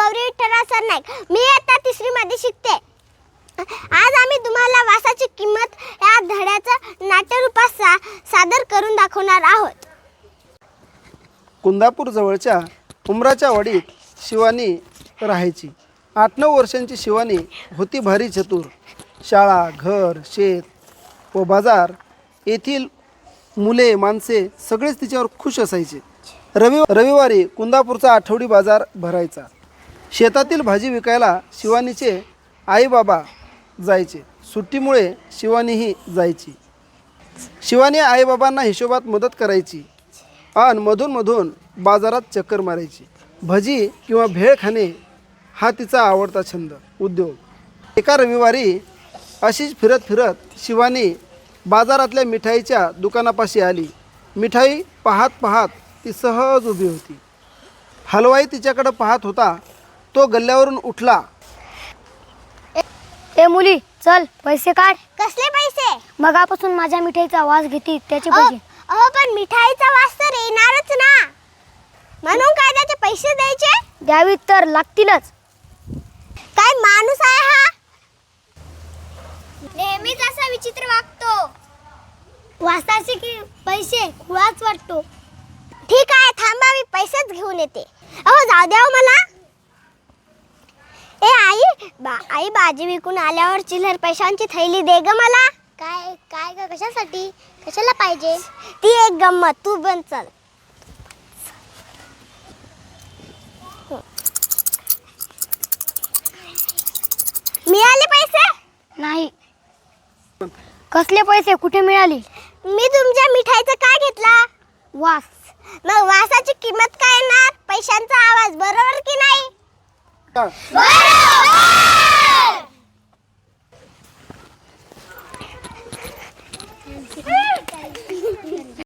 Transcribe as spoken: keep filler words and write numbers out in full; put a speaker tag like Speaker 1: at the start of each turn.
Speaker 1: गौरी विठ्ठलराव सरनाईक. मी आता तिसरी मध्ये शिकते. आज आम्ही तुम्हाला वासाची किंमत या धड्याचं नाट्यरूपात सा, सादर करून दाखवणार आहोत.
Speaker 2: कुंदापूर जवळच्या उमराच्या वाडीत शिवानी राहायची. आठ नऊ वर्षांची शिवानी होती भारी चतुर. शाळा, घर, शेत व बाजार येथील मुले माणसे सगळेच तिच्यावर खुश असायचे. रवि रविवारी कुंदापूरचा आठवडी बाजार भरायचा. शेतातील भाजी विकायला शिवानीचे आईबाबा जायचे. सुट्टीमुळे शिवानीही जायची. शिवानी आईबाबांना हिशोबात मदत करायची आणि मधूनमधून बाजारात चक्कर मारायची. भजी किंवा भेळ खाणे हा तिचा आवडता छंद उद्योग. एका रविवारी अशीच फिरत फिरत शिवानी बाजारातल्या मिठाईच्या दुकानापाशी आली. मिठाई पाहत पाहत ती सहज उभी होती. हलवाई तिच्याकडे पाहत होता. तो गल्ल्यावरून उठला.
Speaker 3: ए मुली, चल पैसे काढ.
Speaker 1: कसले पैसे?
Speaker 3: मगापासून माझ्या मिठाईचा वास घेते त्याचे
Speaker 1: अहो
Speaker 3: पैसे.
Speaker 1: अहो, पण मिठाईचा वास तर येणारच ना, म्हणून काय त्याचे पैसे द्यायचे?
Speaker 3: द्यावीत तर लागतीलच.
Speaker 1: काय माणूस आहे हा? नेहमीच असा विचित्र वागतो.
Speaker 3: वासाचे की पैसे खुळाच वाटतो.
Speaker 1: ठीक आहे, थांबा, मी पैसेच घेऊन येते. अहो जाऊ द्या हो मला. ए आई, बा आई भाजी विकून आल्यावर चिल्लर पैशांची थैली दे ग मला.
Speaker 4: काय काय ग, कशासाठी, कशाला पाहिजे?
Speaker 1: ती एक गंमत, तू बन चल. मिळाले पैसे?
Speaker 3: नाही. कसले पैसे, कुठे मिळाली?
Speaker 1: मी तुमच्या मिठाईचं काय घेतला?
Speaker 3: वास.
Speaker 1: मग वासाची किंमत काय येणार? पैशांचा आवाज, बरोबर की नाही?
Speaker 2: बरोबर.